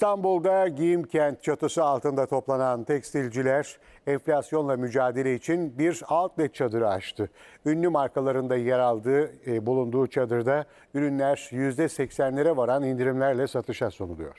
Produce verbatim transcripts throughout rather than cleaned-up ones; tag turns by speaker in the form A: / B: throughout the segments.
A: İstanbul'da Giyimkent çatısı altında toplanan tekstilciler enflasyonla mücadele için bir outlet çadırı açtı. Ünlü markalarında yer aldığı e, bulunduğu çadırda ürünler yüzde seksenlere varan indirimlerle satışa sunuluyor.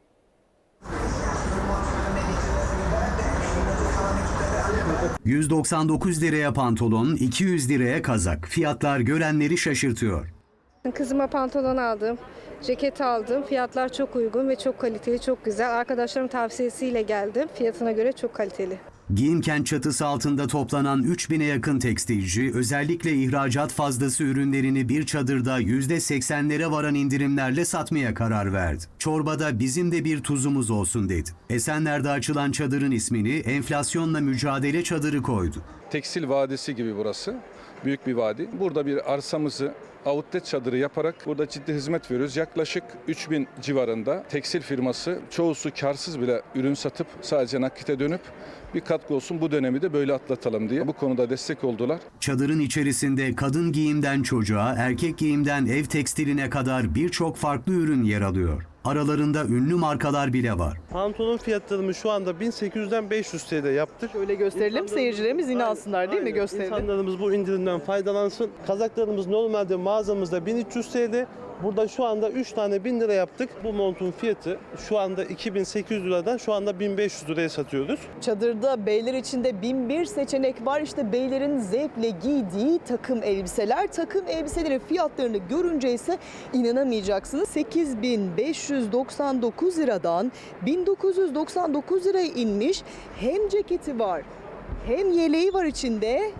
B: yüz doksan dokuz liraya pantolon, iki yüz liraya kazak. Fiyatlar görenleri şaşırtıyor.
C: Kızıma pantolon aldım, ceket aldım. Fiyatlar çok uygun ve çok kaliteli, çok güzel. Arkadaşlarım tavsiyesiyle geldim. Fiyatına göre çok kaliteli.
B: Giyimkent çatısı altında toplanan üç bine yakın tekstilci özellikle ihracat fazlası ürünlerini bir çadırda yüzde seksenlere varan indirimlerle satmaya karar verdi. Çorbada bizim de bir tuzumuz olsun dedi. Esenler'de açılan çadırın ismini enflasyonla mücadele çadırı koydu.
D: Tekstil vadisi gibi burası. Büyük bir vadi. Burada bir arsamızı outlet çadırı yaparak burada ciddi hizmet veriyoruz. Yaklaşık üç bin civarında tekstil firması, çoğusu karsız bile ürün satıp sadece nakite dönüp bir katkı olsun, bu dönemi de böyle atlatalım diye bu konuda destek oldular.
B: Çadırın içerisinde kadın giyimden çocuğa, erkek giyimden ev tekstiline kadar birçok farklı ürün yer alıyor. Aralarında ünlü markalar bile var.
E: Pantolon fiyatlarımı şu anda bin sekiz yüzden beş yüz T L yaptık.
F: Öyle gösterelim, seyircilerimiz inansınlar değil mi? Gösterelim.
E: İnsanlarımız bu indirimden faydalansın. Kazaklarımız normalde mağazamızda bin üç yüz T L. Burada şu anda üç tane bin lira yaptık. Bu montun fiyatı şu anda iki bin sekiz yüz liradan şu anda bin beş yüz liraya satıyoruz.
F: Çadırda beyler içinde bin bir seçenek var. İşte beylerin zevkle giydiği takım elbiseler. Takım elbiselerin fiyatlarını görünce ise inanamayacaksınız. sekiz bin beş yüz doksan dokuz liradan bin dokuz yüz doksan dokuz liraya inmiş. Hem ceketi var, hem yeleği var içinde,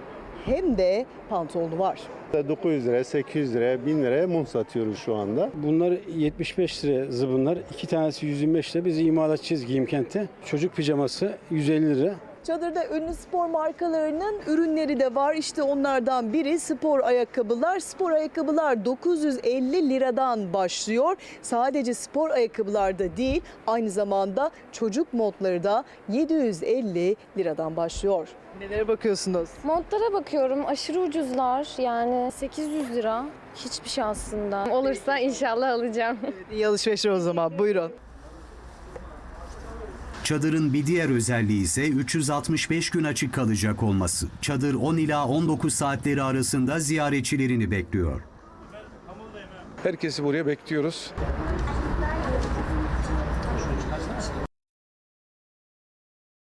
F: hem de pantolonu var.
G: dokuz yüz liraya, sekiz yüz liraya, bin liraya mum satıyoruz şu anda.
H: Bunlar yetmiş beş lira zıbınlar. İki tanesi yüz yirmi beş lira. Biz imalatçıyız Giyimkent'te. Çocuk pijaması yüz elli lira.
F: Çadırda ünlü spor markalarının ürünleri de var. İşte onlardan biri spor ayakkabılar. Spor ayakkabılar dokuz yüz elli liradan başlıyor. Sadece spor ayakkabılarda değil, aynı zamanda çocuk montları da yedi yüz elli liradan başlıyor. Nelere bakıyorsunuz?
I: Montlara bakıyorum, aşırı ucuzlar, yani sekiz yüz lira hiçbir şey aslında. Olursa inşallah alacağım.
F: İyi alışverişler o zaman, buyurun.
B: Çadırın bir diğer özelliği ise üç yüz altmış beş gün açık kalacak olması. Çadır on ila on dokuz saatleri arasında ziyaretçilerini bekliyor.
D: Herkesi buraya bekliyoruz.